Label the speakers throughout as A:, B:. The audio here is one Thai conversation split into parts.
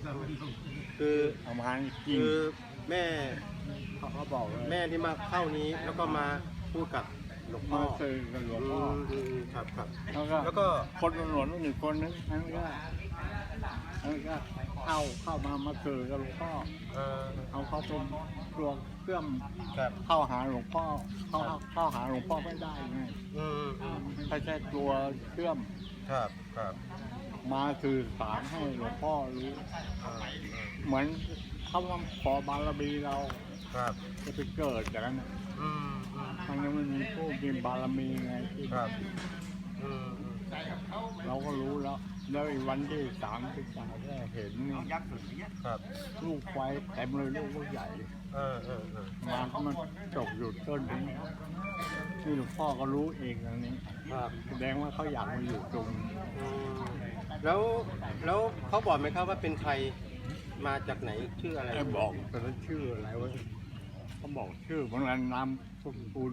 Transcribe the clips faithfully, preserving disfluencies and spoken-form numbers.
A: คือ
B: เอามาจริง
A: คือแม่
B: เขาก็บอกเลย
A: แม่ที่มาเข้านี้แล้วก็มาพูดกับหลวงพ่
B: มา
A: อ
B: สื่อกับหลวงพ่อ
A: อืมครับครับ
B: แล้วก็
A: แล้วก็
B: คนตำรวจอีกคนนึงนั่นก็นั่นก็เข้าเข้ามามาสื่อกับหลวงพ่อ
A: เอ่อ
B: เอาเขาเป็นตัวเครื่อง
A: ครับ
B: เข้าหาหลวงพ่อเข้าเข้าหาหลวงพ่อไม่ได้ไง
A: อืมอืม
B: ไม่ใช่ตัวเครื่อง
A: ครับครับ
B: มาสื่อสารให้หลวงพ่อรู้
A: อ่า
B: เหมือนเขาว่าขอบารมีเรา
A: ครับ
B: จะไปเกิดอย่างนั้นน่ะ
A: อืมอืม
B: มันยังไม่มีผู้มีบารมีไงที่
A: ครับอืมอืม
B: เราก็รู้แล้ว แล้วอีกวันที่สามที่สามก็เห็นนี่
A: ครับ
B: ลูกไฟเต็มเลยลูกใหญ่
A: เออเออเออ
B: มาก็มันตกอยู่ต้นนี้นี่หลวงพ่อก็รู้เองอันนี้
A: ครับ
B: แสดงว่าเขาอยากมาอยู่ตรงนี้
A: อืมแล้วแล้วเขาบอกไหมครับว่าเป็นใครมาจากไหนชื่ออะไร
B: ไอ้บอกแต่ละชื่ออะไรวะเขาบอกชื่อเหมือนกันนามสกุล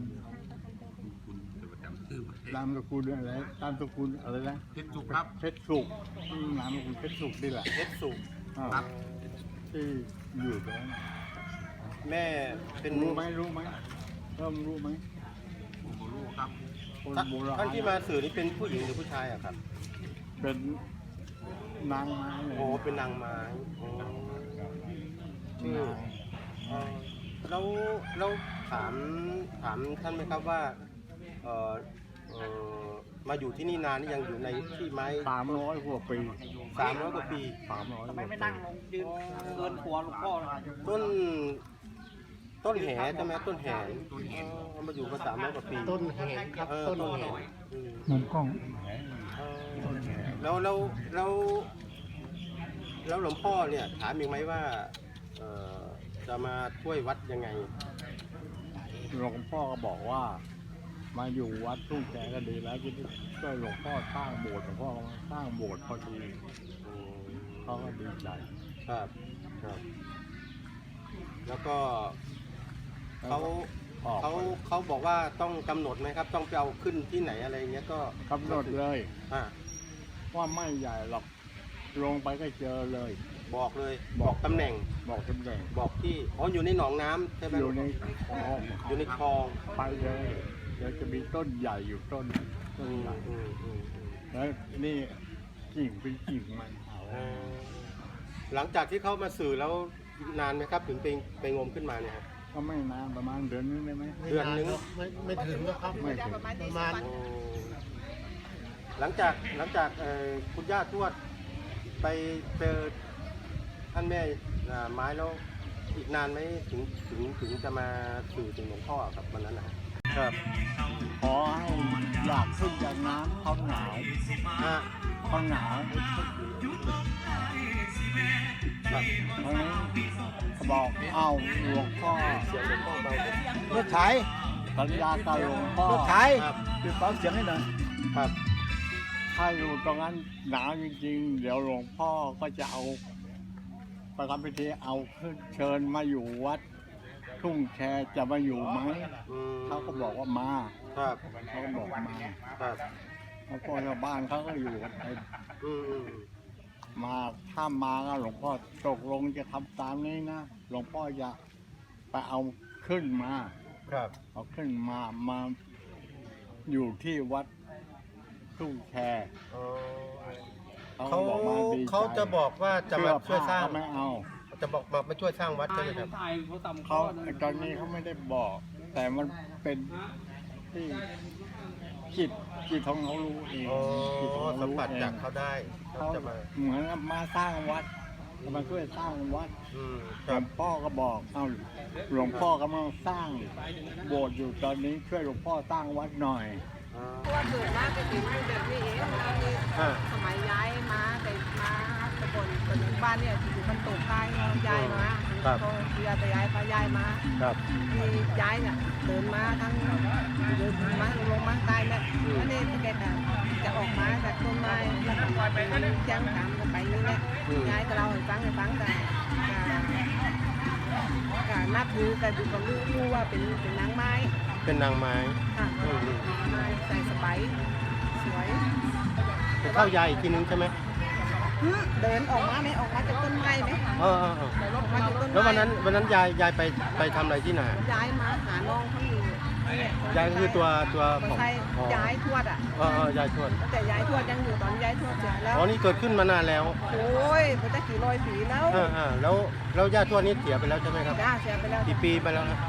B: นามสกุลอะไรนามสกุลอะไรนะ
C: เพชรสุขครับ
B: เพชรสุกอืมนามสกุลเพชรสุกนี่แหละ
A: เพชรสุข
B: อ่า
C: ครับ
B: ที่อยู่ตรงนั้น
A: แม่เป็น
B: รู้ไหมรู้ไหมเริ่มรู้ไหม
C: ผมก็รู้ครับ
B: คน
A: ท่าน
B: โบราณ
A: ท่านที่มาสื่อนี่เป็นผู้หญิงหรือผู้ชายอะครับ
B: เป็นนางไม้เลย
A: โอ้เป็นนางไม้อ๋อชื่อ
B: นาง
A: เอ่อแล้วแล้วถามถามท่านไหมครับว่าเอ่อเอ่อมาอยู่ที่นี่นานนี่ยังอยู่ในที่ไม้
B: สามร้อยกว่าปี
A: สามร้อยกว่าปี
B: สามร้อยกว่าปี
D: ยืนเกินหัวหลวงพ่อเลย
A: ต้นต้นแหใช่ไหมต้นแหอ๋อมาอยู่มาสามร้อยกว่าปี
D: ต้นแหงครับ
A: เออ
D: ต้น
A: ต้น
D: แห
A: แห
D: ง
A: อืม
B: มุมกล้อง
A: เออแล้วแล้วแล้วแล้วหลวงพ่อเนี่ยถามอีกไหมว่าเอ่อจะมาช่วยวัดยังไง
B: หลวงพ่อก็บอกว่า มาอยู่วัดทุ่งแกก็ดีแล้วที่ช่วยหลวงพ่อสร้างโบสถ์หลวงพ่อก็มาสร้างโบสถ์พอดี
A: อืม
B: เขาก็ดีใจ
A: ครับครับ แล้วก็เขา
B: ออก
A: เขาเขาบอกว่าต้องกำหนดไหมครับ ต้องไปเอาขึ้นที่ไหนอะไรเงี้ยก็
B: กำหนดเลย
A: อ่า
B: ว่าไม่ใหญ่หรอกลงไปก็เจอเลย
A: บอกเลย
B: บบ อ
A: อก กตำแหน่ง
B: บอกตำแหน่ง
A: บอกที่อ๋ออยู่ในหนองน้ำใช่ไหม
B: อยู่ในคลอง
A: อยู่ในคลอง
B: ไปเลยเดี๋ยวจะมีต้นใหญ่อยู่ต้นต้
A: อื
B: น
A: ม
B: ใหญ่
A: อืมอืมอืม
B: แล้วนี่กิ่งเป็นกิ่งมันเอา
A: เอ่อหลังจากที่เขามาสื่อแล้วนานไหมครับ ถึงไปไปงมขึ้นมาเนี่ยครับ
B: ก็ไม่นานประมาณเดือนนึงได้ไหม
A: เดือนนึง
D: ไม่ไม่ถึงนะครับ
B: ไม่ถึง
D: ประมาณ
A: โอ้หลังจากหลังจากเอ่อคุณย่าทวดไปเจอท่านแม่อ่าไม้แล้วอีกนานไหมถึงถึงถึงจะมาสื่อถึงหลวงพ่อครับวันนั้นนะครับ
B: ขอให้อยากขึ้นจากน้ำเขาหนาว
A: ฮะ
B: เขาหนาว
A: ครับ
B: เพราะฉะนั้นเขาบอกเอาหลวงพ่อ
A: เสียงหลวงพ่อเบาร
D: ถไถ
B: สัญญากับหลวงพ่อ
D: รถไถ
A: ครับ
D: ปิดเบาเสียงให้หน่อย
A: ครับ
B: ถ้าอยู่ตรงนั้นหนาวจริงๆ เดี๋ยวหลวงพ่อก็จะเอาประทำพิธีเอาขึ้นเชิญมาอยู่วัดทุ่งแชจะมาอยู่ไหม
A: อืม
B: เขาก็บอกว่ามา
A: ครับ
B: เขาก็บอกมา
A: ครับ
B: แล้วก็ชาวบ้านเขาก็อยู่กันไป
A: อืมอืม
B: มาถ้ามาก็หลวงพ่อตกลงจะทำตามนี้นะหลวงพ่อจะไปเอาขึ้นมา
A: ครับ
B: เอาขึ้นมามาอยู่ที่วัดทุ่งแช
A: อ๋อ
B: เขา
A: เขา
B: ก็บอกมาดีใจ
A: เขาจะบอกว่าจะมาช่วยสร้าง
B: เสื้อผ้ก็ไม่เอา
A: จะบอกมามาช่วยสร้างวัดใช่ไหมครับ
B: เขาตอนนี้เขาไม่ได้บอก แต่มันเป็นที่จิตจิตของเขารู้เอง
A: อ๋อ
B: จิตของเขา
A: สัม
B: รู้
A: ผัส
B: เอง
A: จากเขาได้เขา
B: เขา
A: จะมา
B: เหมือนกับมาสร้างวัดมาช่วยสร้างวัด
A: อืม
B: ห
A: ค
B: ล
A: รั
B: ว
A: บ
B: งพ่อก็บอกเอาหลวงพ่อกำลังสร้างโบสถ์อยู่ตอนนี้ช่วยหลวงพ่อสร้างวัดหน่อย
A: อ่า
E: เพราะว่าเกิดมาเป็นถึงแบบนี้เองมานี่
A: อ่า
E: สมัยย้ายมาแต่มาตะบนคนบ้านเนี่ยอยู่มันตกใต้เนาะย้ายมาพอเรือจะย้ายพาย้ายมา
A: ครับ
E: ที่ย้ายเนี่ยเดินมาทั้งเดินมาลงมาใต้เนี่ยแล้วนี่แกจะจะออกมาจากต้นไม้แล้วก็ไปย่างตามกันไปนี่แหละย้ายก็เราให้ฟังให้ฟังกันการนับถือกันดูกับลูกรู้ว่าเป็นเป็นนางไม้
A: เป็นนางไม้
E: ค่ะ
A: อืมอืม
E: ไม้ใส่สบายสวย
A: ไปเข้ายายอีกทีนึงใช่ไหม
E: คเดินออกมาไหมออกมาจากต้นไม้ไหม
A: เออเออเออ
E: ออกมาจากต้นไม้
A: แล้ววันนั้นวันนั้นยายยายไปไปทำอะไรที่ไหน
E: ย้ายมาหาน้องเขาอยู่เนี่ย
A: ยายคือตัวตัว
E: คน
A: ของ
E: ไทย
A: อ๋อ
E: ย้ายทวดอ่ะ
A: เออเออยายทวด
E: แต่ย้ายทวดยังอยู่ตอนย้ายทวดเสียแล้ว
A: อ๋อนี่เกิดขึ้นมานานแล้ว
E: โอ้ยมันจะกี่ร้อยปีแล้ว
A: เออเออแล้วแล้วย่าทวดนี่เสียไปแล้วใช่ไหมครับ
E: จ้าเสียไปแล้ว
A: กี่ปีไปแล้วครับ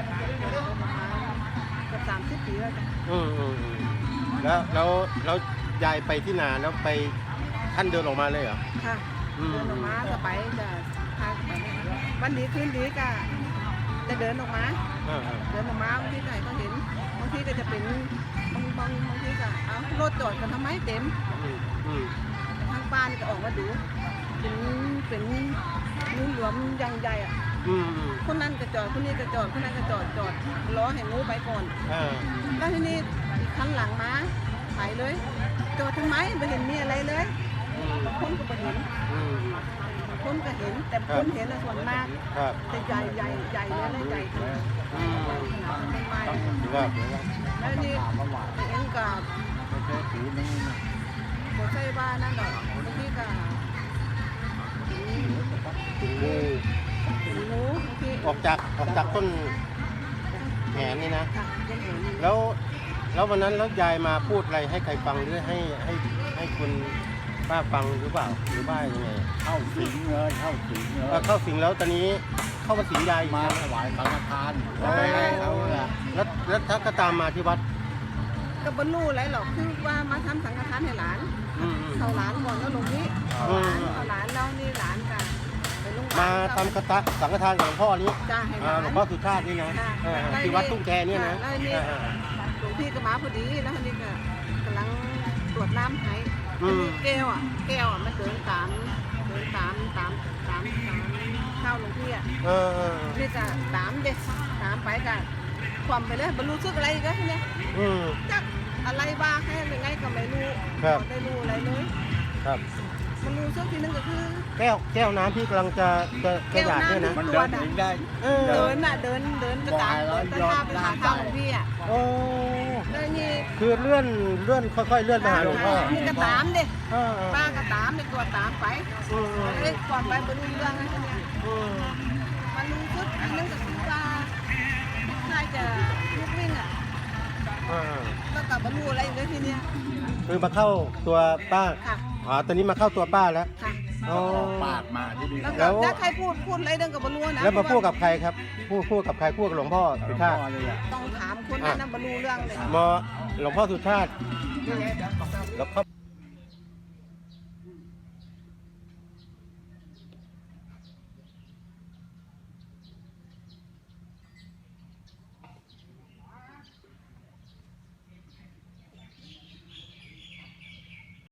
E: เกือบสามสิบปีแล้วจ้ะ
A: อืมอืมอืมแล้วแล้วแล้วยายไปที่นาแล้วไปท่านเดินออกมาเลยเหรอ
E: ค่ะ
A: อืม
E: เดินออกมาก็ไปจะทางไปวันดีคืนดีก็จะเดินออกมา
A: เออเออ
E: เดินออกมาบางทีก็ให้เขาเห็นบางทีก็จะเป็นบางบางบางทีก็เอารถจอดกันทำไมเต็ม
A: อืมอืม
E: ทางบ้านก็ออกมาดูเป็นเป็นงูเหลือมอยังใหญ่อะ
A: อืมอืม
E: คนนั้นก็จอดคนนี้ก็จอดคนนั้นก็จอดจอดล้อให้งูไปก่อน
A: เออ
E: แล้วทีนี้อีกคันหลังมาไปเลยจอดทำไมไม่เห็นมีอะไรเลย
A: อืม
E: บางคนก็ไม่เห็น
A: อืม
E: บางคนก็เห็นแต่คนเห็นน่ะส่วนมาก
A: ครับ
E: แต่ใหญ่ใหญ่ใหญ่เลยนะใหญ่ขนาด
A: อืม
E: ต้นไม้
B: ต้อง
A: ครับ
E: แล้วนี่
B: ถามมาว่า
E: เห็นกับ
B: ไม่ใช่ถือนี่นะ
E: หัวใจบ้านนั่นดอกบางทีก็เห็น
A: งู
E: เห็นงูบางที
A: ออกจากออกจากต้นแขนนี่นะ
E: ค่ะยังเห็น
A: แล้วแล้ววันนั้นแล้วยายมาพูดอะไรให้ใครฟังหรือให้ให้ให้คุณป้าฟังหรือเปล่าหรือว่ายังไง
B: เข้าสิงเลยเข้าสิงเล
A: เอ่อย เข้าสิงแล้วตอนนี้เข้ามาสิงยายอีก
B: มา
A: นะ
B: ถวายสังฆทานแล้วไปให้เขาละ
A: แล้วแล้วถ้าก็ตามมาที่วัด
E: ก็บรรลุอะไรหรอกคือว่ามาทำสังฆทานให้หลาน
A: อืมอืม
E: เขาหลานก่อนแล้วลงนี้เอาหลานเอาหลานแล้วนี่หลานกันไปโรงพยาบา
A: มา
E: ล
A: ทำกระสังฆทานกับหลวงพ่อนี้
E: จ้าให้ห
A: อ่า
E: ลาน
A: หลวงพ่อสุชาตินี่นะ
E: ค่ะ
A: เออ
E: แล้ว
A: ที่วัดตุ้งแกเนี่ยนะ
E: แล้วนี่
A: เออเออ
E: หลวงพี่ก็มาพอดีแล้วทีนี้ก็กำลังตรวจน้ำให้
A: อืม
E: ทีนี้แก้วอ่ะแก้วอ่ะมันเดินตามเดินตามตามตามตามเข้าหลวงพี่อ่ะ
A: เออเออ
E: นี่ก็ตามเด็กตามไปกันความไปเลยบรรลุซึกอะไรอีกันเนี่ย
A: อืม
E: จักอะไรบ้างให้ยังไงก็ไม่รู้
A: ครับ
E: ไม่ได้รู้อะไรเลย
A: ครับ
E: บรรลุซึกทีนึงก็คือ
A: แก้วแก้วน้ำที่กำลังจะจะจะหยาดเนี่ยนะ
B: มันเดินเองได้
A: เออ
E: เดินน่ะเดินเดินจะตามเดินจะตามไปหาข้าวหลวงพี่อ่ะ
A: โอ้
E: แล้วนี่
A: คือเลื่อนเลื่อนค่อยๆเลื่อนไปหาหลวงพ่อ
E: นี่ก็ตามเด็
A: เออเออ
E: ป้าก็ตามในตัวตามไป
A: อืมอืม
E: เอ้ยก่อนไปบรรลุเรื่องอะไรเนี่ย
A: อืม
E: มันรู้สึกอันนึงก็คือว่าน่าจะลุกวิ่งอ่ะ
A: เออ
E: แล้วก็บรรลุอะไรอีกเลยทีเนี้ย
A: คือมาเข้าตัวป้า
E: ค่ะ
A: อ๋อตอนนี้มาเข้าตัวป้าแล้ว
E: ค่ะ
A: อ๋อ
B: ปากมาที่นี่
E: แล้ว
A: แล้
E: ก็
A: ว
E: ถ้าใครพูดพูดอะไรเรื่องกับบรรลุนะ
A: แล้วมาพูดกับใครครับ พูดพูดกับใครพูดกับหลวงพ่อ
B: หล
A: สุ
B: วง
A: ชา
B: พ่อ
A: ติ
B: เลยอ่ะ
E: ต้องถามคนนั้นนะบรรลุเรื่องเลย
A: มอหลวงพ่อสุชาติแล้วเขา